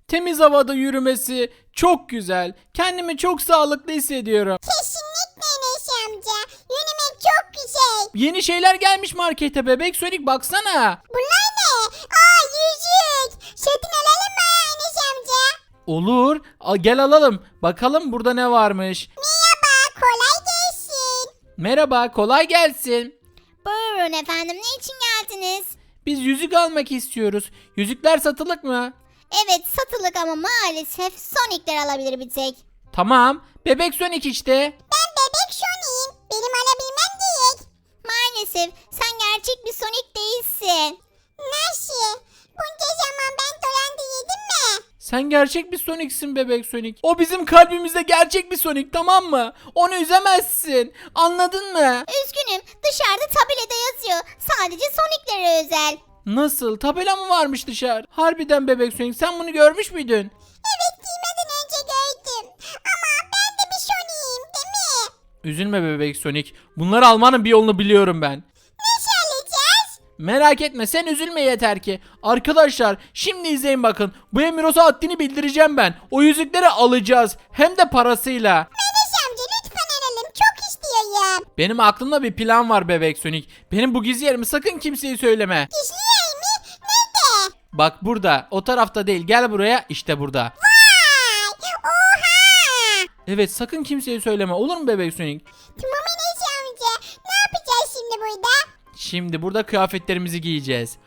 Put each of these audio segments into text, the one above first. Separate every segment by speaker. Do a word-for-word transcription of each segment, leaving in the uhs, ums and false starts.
Speaker 1: Temiz havada yürümesi çok güzel. Kendimi çok sağlıklı hissediyorum.
Speaker 2: Kesinlikle Enes amca. Yürümek çok güzel.
Speaker 1: Yeni şeyler gelmiş markete bebek Sonic baksana.
Speaker 2: Bunlar ne? Aa yüzük. Satın alalım mı Enes amca?
Speaker 1: Olur. Al, gel alalım. Bakalım burada ne varmış.
Speaker 2: Merhaba, kolay gelsin.
Speaker 1: Merhaba, kolay gelsin.
Speaker 2: Buyurun efendim, ne için geldiniz?
Speaker 1: Biz yüzük almak istiyoruz. Yüzükler satılık mı?
Speaker 2: Evet, satılık ama maalesef Sonic'ler alabilir bir tek.
Speaker 1: Tamam. Bebek Sonic işte.
Speaker 2: Ben bebek Sonic'im. Benim alabilmem gerek. Maalesef sen gerçek bir Sonic değilsin. Nasıl? Bunca zaman ben dolandı yedim mi?
Speaker 1: Sen gerçek bir Sonic'sin bebek Sonic. O bizim kalbimizde gerçek bir Sonic, tamam mı? Onu üzemezsin. Anladın mı?
Speaker 2: Üzgünüm, dışarıda tabelada yazıyor. Sadece Sonic'lere özel.
Speaker 1: Nasıl? Tabela mı varmış dışarı? Harbiden bebek Sonic, sen bunu görmüş müydün?
Speaker 2: Evet, giymeden önce gördüm. Ama ben de bir Sonic'im değil mi?
Speaker 1: Üzülme bebek Sonic. Bunları almanın bir yolunu biliyorum ben.
Speaker 2: Nasıl alacağız?
Speaker 1: Merak etme, sen üzülme yeter ki. Arkadaşlar şimdi izleyin bakın. Bu Emiros'a haddini bildireceğim ben. O yüzükleri alacağız. Hem de parasıyla.
Speaker 2: Enes amca lütfen alalım. Çok istiyorum.
Speaker 1: Benim aklımda bir plan var bebek Sonic. Benim bu gizli yerimi sakın kimseye söyleme.
Speaker 2: Gizli yer mi? Nerede?
Speaker 1: Bak burada. O tarafta değil. Gel buraya. İşte burada.
Speaker 2: Vay! Oha!
Speaker 1: Evet, sakın kimseye söyleme. Olur mu bebek Sonic?
Speaker 2: Tamam Enes amca. Ne yapacağız şimdi burada?
Speaker 1: Şimdi burada kıyafetlerimizi giyeceğiz.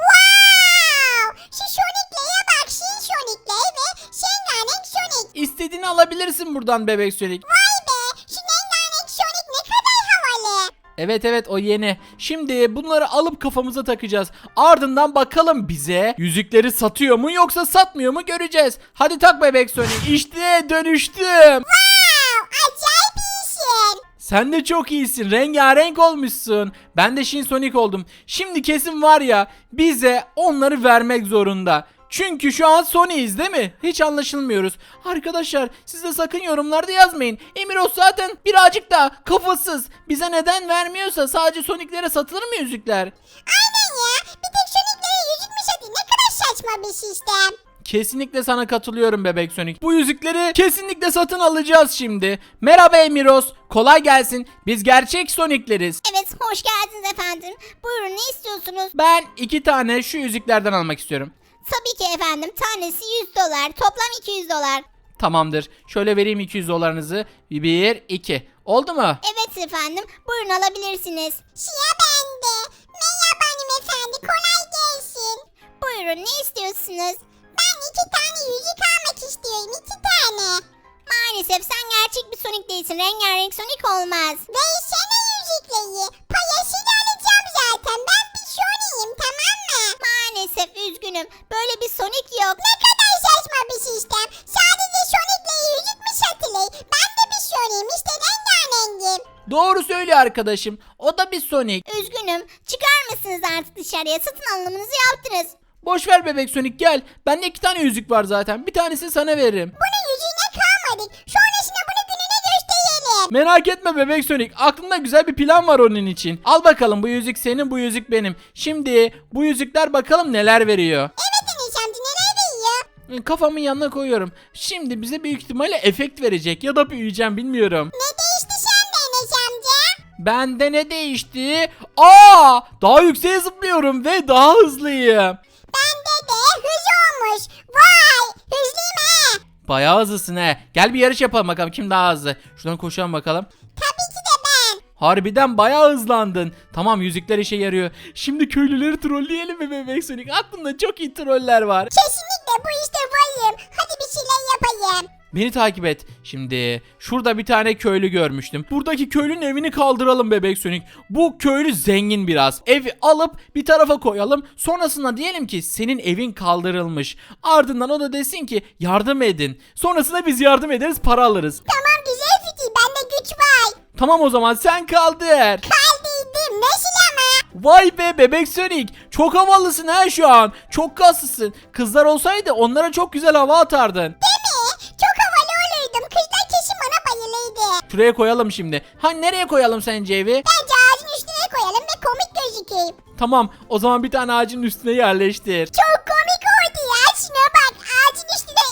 Speaker 2: Wow! Şu Sonic'lere bak. Şu Sonic'ler ve Şenganek Sonic.
Speaker 1: İstediğini alabilirsin buradan bebek Sonic.
Speaker 2: Vay be! Şu Şenganek Sonic ne kadar havalı.
Speaker 1: Evet evet, o yeni. Şimdi bunları alıp kafamıza takacağız. Ardından bakalım bize yüzükleri satıyor mu yoksa satmıyor mu göreceğiz. Hadi tak bebek Sonic. İşte dönüştüm.
Speaker 2: Wow! Acayip iyisin.
Speaker 1: Sen de çok iyisin. Rengarenk olmuşsun. Ben de Shin Sonic oldum. Şimdi kesin var ya, bize onları vermek zorunda. Çünkü şu an Sony'yiz değil mi? Hiç anlaşılmıyoruz. Arkadaşlar siz de sakın yorumlarda yazmayın. Emiros zaten birazcık da kafasız. Bize neden vermiyorsa sadece Sonic'lere satılır mı yüzükler?
Speaker 2: Aynen ya. Bir tek Sonic'lere yüzük mü satayım? Ne kadar saçma bir sistem.
Speaker 1: Kesinlikle sana katılıyorum bebek Sonic. Bu yüzükleri kesinlikle satın alacağız şimdi. Merhaba Emiros. Kolay gelsin. Biz gerçek Sonic'leriz.
Speaker 2: Evet, hoş geldiniz efendim. Buyurun, ne istiyorsunuz?
Speaker 1: Ben iki tane şu yüzüklerden almak istiyorum.
Speaker 2: Tabii ki efendim. Tanesi yüz dolar. Toplam iki yüz dolar.
Speaker 1: Tamamdır. Şöyle vereyim iki yüz dolarınızı. bir, iki. Oldu mu?
Speaker 2: Evet efendim. Buyurun, alabilirsiniz. Şia bende. Merhaba hanımefendi. Kolay gelsin. Buyurun, ne istiyorsunuz? Ben iki tane yüzük almak istiyorum. iki tane. Maalesef sen gerçek bir Sonic değilsin. Rengarenk Sonic olmaz. Versene yüzükleri. Parasını alacağım zaten. Ben bir Sonic'im, tamam mı? Maalesef üzgünüm. Böyle bir Sonic yok. Ne kadar saçma bir sistem. Sadece Sonic'leri yüzük mü satılır? Ben de bir Sonic'im. İşte rengarengim.
Speaker 1: Doğru söylüyor arkadaşım. O da bir Sonic.
Speaker 2: Üzgünüm. Çıkar mısınız artık dışarıya? Satın alımınızı yaptınız.
Speaker 1: Boş ver bebek Sonic, gel. Bende iki tane yüzük var zaten. Bir tanesini sana veririm.
Speaker 2: Bunun yüzüğüne kalmadık. Sonrasında bunu gününe gösterelim.
Speaker 1: Merak etme bebek Sonic. Aklımda güzel bir plan var onun için. Al bakalım, bu yüzük senin, bu yüzük benim. Şimdi bu yüzükler bakalım neler veriyor.
Speaker 2: Evet Enes amca, neler veriyor?
Speaker 1: Kafamın yanına koyuyorum. Şimdi bize büyük ihtimalle efekt verecek ya da büyüyeceğim, bilmiyorum.
Speaker 2: Ne değişti sende Enes amca?
Speaker 1: Bende ne değişti? Aa, daha yükseğe zıplıyorum ve daha hızlıyım.
Speaker 2: Bende de hız olmuş. Vay, hızlıyım he.
Speaker 1: Bayağı hızlısın he. Gel bir yarış yapalım bakalım kim daha hızlı. Şuradan koşalım bakalım.
Speaker 2: Tabii ki de ben.
Speaker 1: Harbiden bayağı hızlandın. Tamam, yüzükler işe yarıyor. Şimdi köylüleri trolleyelim mi bebek Sonic? Aklımda çok iyi troller var.
Speaker 2: Kesinlikle bu işte varım. Hadi bir şeyler yapayım.
Speaker 1: Beni takip et. Şimdi şurada bir tane köylü görmüştüm. Buradaki köylünün evini kaldıralım bebek Sonic. Bu köylü zengin biraz. Evi alıp bir tarafa koyalım. Sonrasında diyelim ki senin evin kaldırılmış. Ardından o da desin ki yardım edin. Sonrasında biz yardım ederiz, para alırız.
Speaker 2: Tamam, güzel fikir. Bende güç var.
Speaker 1: Tamam, o zaman sen kaldır.
Speaker 2: Kaldıydım. Nasıl ama?
Speaker 1: Vay be bebek Sonic. Çok havalısın ha şu an. Çok kaslısın. Kızlar olsaydı onlara çok güzel hava atardın.
Speaker 2: Değil mi? Çok havalı olurdum. Kızlar kesin bana bayılırdı.
Speaker 1: Şuraya koyalım şimdi. Ha, nereye koyalım sence evi?
Speaker 2: Bence ağacın üstüne koyalım ve komik gözükeyim.
Speaker 1: Tamam, o zaman bir tane ağacın üstüne yerleştir.
Speaker 2: Çok komik oldu ya. Şuna bak. Ağacın üstüne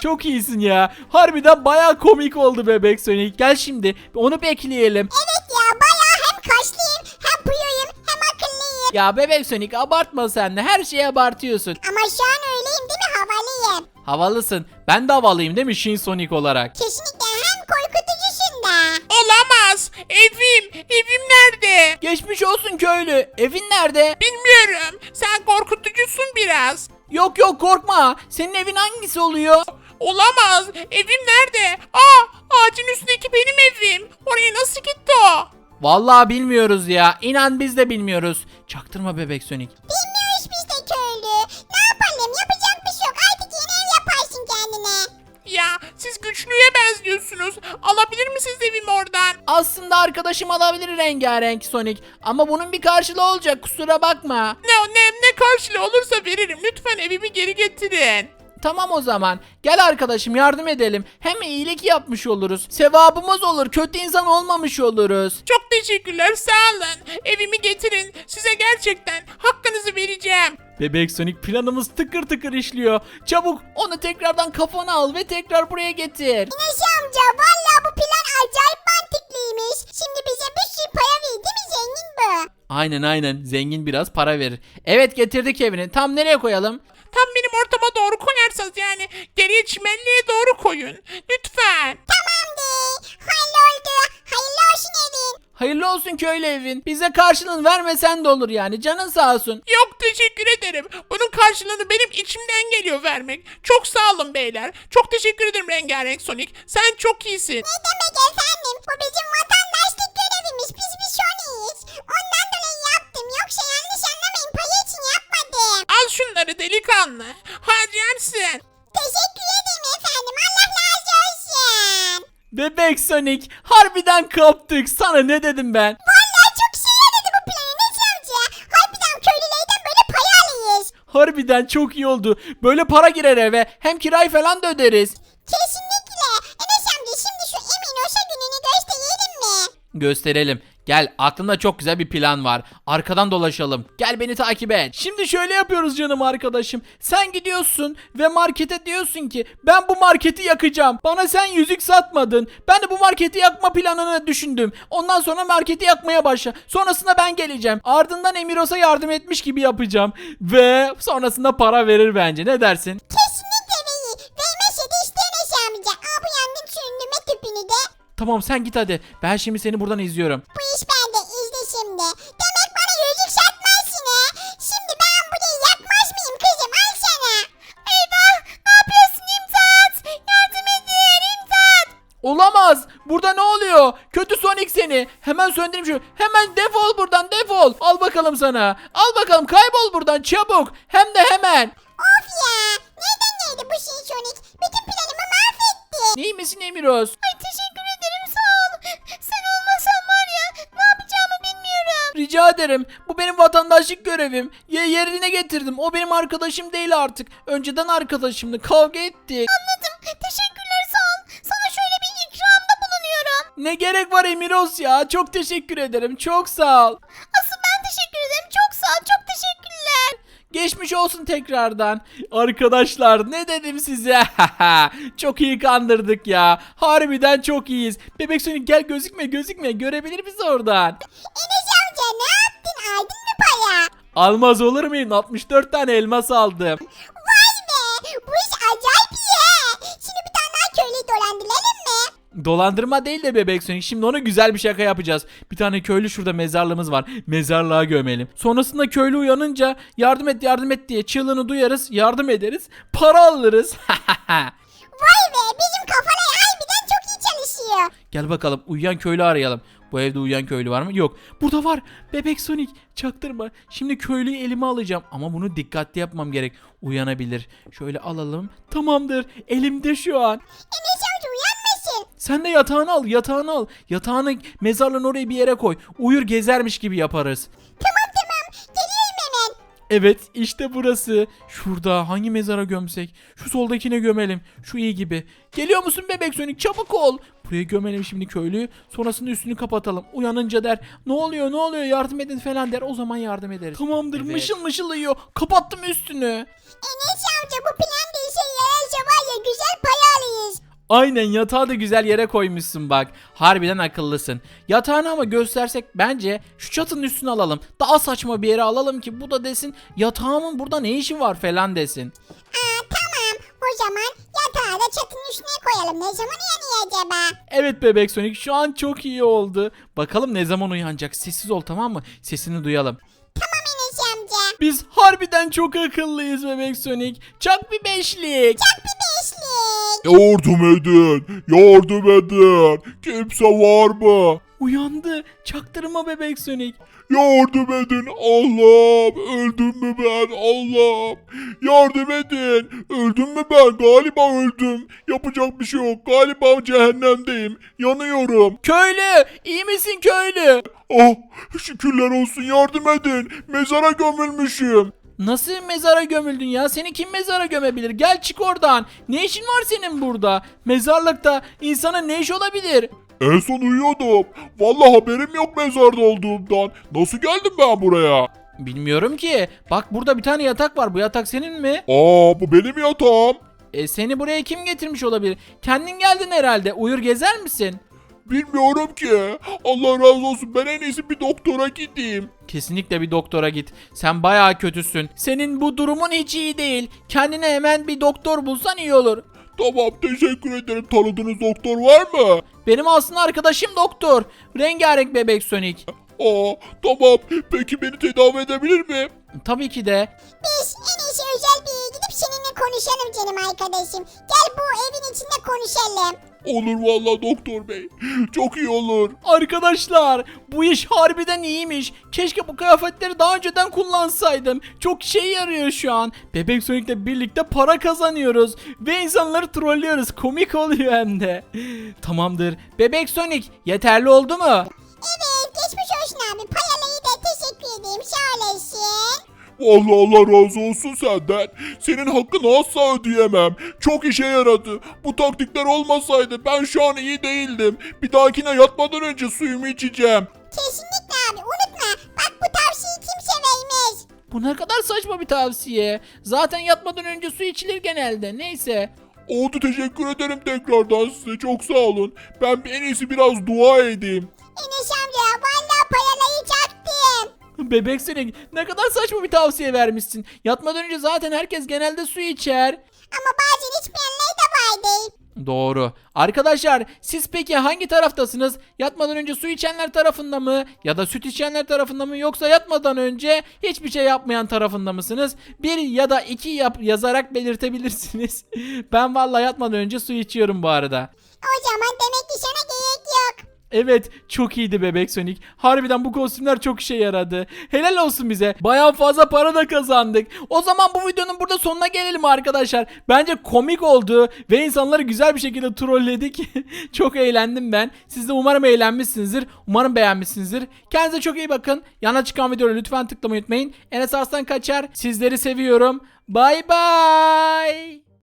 Speaker 1: Çok iyisin ya. Harbiden bayağı komik oldu Bebek Sonic. Gel şimdi onu bekleyelim.
Speaker 2: Evet ya bayağı hem kaşlıyım hem puyuyum hem akıllıyım.
Speaker 1: Ya Bebek Sonic abartma sen de. Her şeyi abartıyorsun.
Speaker 2: Ama şu an öyleyim değil mi, havalıyım.
Speaker 1: Havalısın. Ben de havalıyım değil mi Shin Sonic olarak?
Speaker 2: Kesinlikle hem korkutucusun da.
Speaker 3: Olamaz. Evim. Evim nerede?
Speaker 1: Geçmiş olsun köylü. Evin nerede?
Speaker 3: Bilmiyorum. Sen korkutucusun biraz.
Speaker 1: Yok yok korkma. Senin evin hangisi oluyor?
Speaker 3: Olamaz. Evim nerede? Aa, ağacın üstündeki benim evim. Oraya nasıl gitti o?
Speaker 1: Vallahi bilmiyoruz ya. İnan biz de bilmiyoruz. Çaktırma Bebek Sonic.
Speaker 2: Bilmiyoruz biz de köylü. Ne yapalım, yapacak bir şey yok. Artık yeni ev yaparsın kendine.
Speaker 3: Ya siz güçlüye benziyorsunuz. Alabilir misiniz evimi oradan?
Speaker 1: Aslında arkadaşım alabilir rengarenk Sonic. Ama bunun bir karşılığı olacak, kusura bakma.
Speaker 3: Ne ne ne karşılığı olursa veririm. Lütfen evimi geri getirin.
Speaker 1: Tamam o zaman. Gel arkadaşım yardım edelim. Hem iyilik yapmış oluruz. Sevabımız olur. Kötü insan olmamış oluruz.
Speaker 3: Çok teşekkürler, sağ olun. Evimi getirin. Size gerçekten hakkınızı vereceğim.
Speaker 1: Bebek Sonic planımız tıkır tıkır işliyor. Çabuk onu tekrardan kafana al ve tekrar buraya getir.
Speaker 2: Enes amca valla bu plan acayip mantıklıymış. Şimdi bize bir sürü para verdi mi, zengin bu?
Speaker 1: Aynen aynen. Zengin biraz para verir. Evet getirdik evini. Tam nereye koyalım?
Speaker 3: Tam benim ortama doğru koyarsanız, yani geriye çimenliğe doğru koyun. Lütfen.
Speaker 2: Tamamdır. Halloldu. Hayırlı olsun evin.
Speaker 1: Hayırlı olsun köylü evin. Bize karşılığını vermesen de olur yani. Canın sağ olsun.
Speaker 3: Yok, teşekkür ederim. Bunun karşılığını benim içimden geliyor vermek. Çok sağ olun beyler. Çok teşekkür ederim Rengarenk Sonic. Sen çok iyisin.
Speaker 2: Ne demek efendim? Bu bizim vatandaşlık görevimiz. Biz bir şoniyiz. Ondan dolayı yaptım. Yoksa yanlış anlamayın. Payı için yapmadım.
Speaker 3: Al şunları delikanlı. Harcarsın.
Speaker 2: Teşekkür ederim efendim. Allah razı olsun.
Speaker 1: Bebek Sonic harbiden kaptık. Sana ne dedim ben?
Speaker 2: Vallahi çok şey yaradı bu plan Enes amca. Harbiden köylülerden böyle pay alıyız.
Speaker 1: Harbiden çok iyi oldu. Böyle para girer eve. Hem kirayı falan da öderiz.
Speaker 2: Kesinlikle. Enes amca şimdi şu Eminoş'a gününü gösterelim mi?
Speaker 1: Gösterelim. Gel aklımda çok güzel bir plan var. Arkadan dolaşalım. Gel beni takip et. Şimdi şöyle yapıyoruz canım arkadaşım. Sen gidiyorsun ve markete diyorsun ki ben bu marketi yakacağım. Bana sen yüzük satmadın. Ben de bu marketi yakma planını düşündüm. Ondan sonra marketi yakmaya başla. Sonrasında ben geleceğim. Ardından Emiros'a yardım etmiş gibi yapacağım. Ve sonrasında para verir bence. Ne dersin?
Speaker 2: Kesinlikle verir. Vermezse de işte Enes amca. Aa bu yangın süründürme tüpünü de.
Speaker 1: Tamam sen git hadi. Ben şimdi seni buradan izliyorum.
Speaker 2: Bu iş bende, izle şimdi. Demek bana yüzük satmazsın ha. Şimdi ben burayı yakmaz mıyım kızım, al sana. Eyvah, ne yapıyorsun İmdat? Yardım edin İmdat.
Speaker 1: Olamaz. Burada ne oluyor? Kötü Sonic seni. Hemen söndüreyim şu. Hemen defol buradan defol. Al bakalım sana. Al bakalım kaybol buradan çabuk. Hem de hemen.
Speaker 2: Of ya, nereden geldi bu şey Sonic? Bütün planımı mahvetti.
Speaker 1: Neyi misin Emiroz?
Speaker 2: Ay teşekkür ederim, sağ ol. Sen olmasan var ya, ne yapacağımı bilmiyorum.
Speaker 1: Rica ederim. Bu benim vatandaşlık görevim. Ye yerine getirdim. O benim arkadaşım değil artık. Önceden arkadaşımdı. Kavga ettik.
Speaker 2: Anladım, teşekkürler, sağ ol. Sana şöyle bir ikramda bulunuyorum.
Speaker 1: Ne gerek var Emiroz ya? Çok teşekkür ederim. Çok sağ ol.
Speaker 2: Asıl ben teşekkür ederim, çok sağ ol, çok teşekkürler.
Speaker 1: Geçmiş olsun tekrardan. Arkadaşlar ne dedim size? Çok iyi kandırdık ya. Harbiden çok iyiyiz. Bebek Sonic gel gözükme gözükme. Görebilir bizi oradan.
Speaker 2: Enes amca ne yaptın, aldın mı para?
Speaker 1: Almaz olur muyum? altmış dört tane elmas aldım.
Speaker 2: Vay be, bu iş acayip iyi. Şimdi bir tane daha köylüyü dolandıralım mı?
Speaker 1: Dolandırma değil de Bebek Sonic. Şimdi ona güzel bir şaka yapacağız. Bir tane köylü şurada mezarlığımız var. Mezarlığa gömelim. Sonrasında köylü uyanınca yardım et yardım et diye çığlığını duyarız. Yardım ederiz. Para alırız.
Speaker 2: Vay be, bizim kafalar harbiden çok iyi çalışıyor.
Speaker 1: Gel bakalım uyuyan köylü arayalım. Bu evde uyuyan köylü var mı? Yok. Burada var. Bebek Sonic. Çaktırma. Şimdi köylüyü elime alacağım. Ama bunu dikkatli yapmam gerek. Uyanabilir. Şöyle alalım. Tamamdır. Elimde şu an.
Speaker 2: Enes amca uyanmasın.
Speaker 1: Sen de yatağını al. Yatağını al. Yatağını mezarlığın oraya bir yere koy. Uyur gezermiş gibi yaparız.
Speaker 2: Tamam tamam, geliyorum hemen.
Speaker 1: Evet işte burası. Şurada hangi mezara gömsek? Şu soldakine gömelim. Şu iyi gibi. Geliyor musun Bebek Sonic? Çabuk ol. Buraya gömelim şimdi köylüyü. Sonrasında üstünü kapatalım. Uyanınca der ne oluyor ne oluyor yardım edin falan der. O zaman yardım ederiz. Tamamdır
Speaker 3: Evet.
Speaker 1: mışıl mışıl uyuyor. Kapattım üstünü.
Speaker 2: Enes amca bu plan da işe yararsa var ya, güzel para
Speaker 1: Aynen, yatağı da güzel yere koymuşsun bak. Harbiden akıllısın. Yatağını ama göstersek bence şu çatının üstüne alalım. Daha saçma bir yere alalım ki bu da desin yatağımın burada ne işi var falan desin.
Speaker 2: Aa, tamam. O zaman yatağı da çatının üstüne koyalım. Ne zaman uyanıyor acaba?
Speaker 1: Evet bebek Sonic, şu an çok iyi oldu. Bakalım ne zaman uyanacak. Sessiz ol, tamam mı? Sesini duyalım.
Speaker 2: Tamam Enes amca.
Speaker 1: Biz harbiden çok akıllıyız bebek Sonic. Çak bir beşlik.
Speaker 2: Çak bir beşlik.
Speaker 4: Yardım edin. Yardım edin. Kimse var mı?
Speaker 1: Uyandı. Çaktırma bebek Sonic.
Speaker 4: Yardım edin. Allah'ım. Öldüm mü ben? Allah'ım. Yardım edin. Öldüm mü ben? Galiba öldüm. Yapacak bir şey yok. Galiba cehennemdeyim. Yanıyorum.
Speaker 1: Köylü, iyi misin köylü?
Speaker 4: Oh, şükürler olsun. Yardım edin. Mezara gömülmüşüm.
Speaker 1: Nasıl mezara gömüldün ya? Seni kim mezara gömebilir? Gel çık oradan. Ne işin var senin burada? Mezarlıkta insana ne iş olabilir?
Speaker 4: En son uyuyordum. Vallahi haberim yok mezarda olduğumdan. Nasıl geldim ben buraya?
Speaker 1: Bilmiyorum ki. Bak burada bir tane yatak var. Bu yatak senin mi?
Speaker 4: Aa, bu benim yatağım.
Speaker 1: E, seni buraya kim getirmiş olabilir? Kendin geldin herhalde. Uyur gezer misin?
Speaker 4: Bilmiyorum ki. Allah razı olsun. Ben en iyisi bir doktora gideyim.
Speaker 1: Kesinlikle bir doktora git. Sen bayağı kötüsün. Senin bu durumun hiç iyi değil. Kendine hemen bir doktor bulsan iyi olur.
Speaker 4: Tamam, teşekkür ederim. Tanıdığınız doktor var mı?
Speaker 1: Benim aslında arkadaşım doktor. Rengarenk bebek Sonic.
Speaker 4: Aa, tamam. Peki beni tedavi edebilir mi?
Speaker 1: Tabii ki de.
Speaker 2: Biz en iyisi özel bir yere gidip seninle konuşalım canım arkadaşım. Gel bu evin içinde konuşalım.
Speaker 4: Olur vallahi doktor bey. Çok iyi olur.
Speaker 1: Arkadaşlar bu iş harbiden iyiymiş. Keşke bu kıyafetleri daha önceden kullansaydım. Çok işe yarıyor şu an. Bebek Sonic'le birlikte para kazanıyoruz. Ve insanları trollüyoruz. Komik oluyor hem de. Tamamdır. Bebek Sonic yeterli oldu mu?
Speaker 2: Evet geçmiş olsun abi. Payalayı da teşekkür edeyim. Sağ olasın.
Speaker 4: Vallahi Allah razı olsun senden. Senin hakkını asla ödeyemem. Çok işe yaradı. Bu taktikler olmasaydı ben şu an iyi değildim. Bir dahakine yatmadan önce suyumu içeceğim.
Speaker 2: Kesinlikle abi unutma. Bak bu tavsiyeyi kimse vermez.
Speaker 1: Bu ne kadar saçma bir tavsiye. Zaten yatmadan önce su içilir genelde. Neyse.
Speaker 4: Oldu, teşekkür ederim tekrardan size. Çok sağ olun. Ben en iyisi biraz dua edeyim.
Speaker 2: Enes amca vallahi payalayı çaktım.
Speaker 1: Bebek Sonic ne kadar saçma bir tavsiye vermişsin. Yatmadan önce zaten herkes genelde su içer.
Speaker 2: Ama bazen içmeyenler de vardı.
Speaker 1: Doğru. Arkadaşlar siz peki hangi taraftasınız? Yatmadan önce su içenler tarafında mı? Ya da süt içenler tarafında mı? Yoksa yatmadan önce hiçbir şey yapmayan tarafında mısınız? Bir ya da iki yap yazarak belirtebilirsiniz. Ben vallahi yatmadan önce su içiyorum bu arada.
Speaker 2: O zaman demek ki sana gerek yok.
Speaker 1: Evet, çok iyiydi bebek Sonic. Harbiden bu kostümler çok işe yaradı. Helal olsun bize. Bayağı fazla para da kazandık. O zaman bu videonun burada sonuna gelelim arkadaşlar. Bence komik oldu ve insanları güzel bir şekilde trolledik. Çok eğlendim ben. Siz de umarım eğlenmişsinizdir. Umarım beğenmişsinizdir. Kendinize çok iyi bakın. Yana çıkan videoları lütfen tıklamayı unutmayın. Enes Arslan Kaçar. Sizleri seviyorum. Bay bay.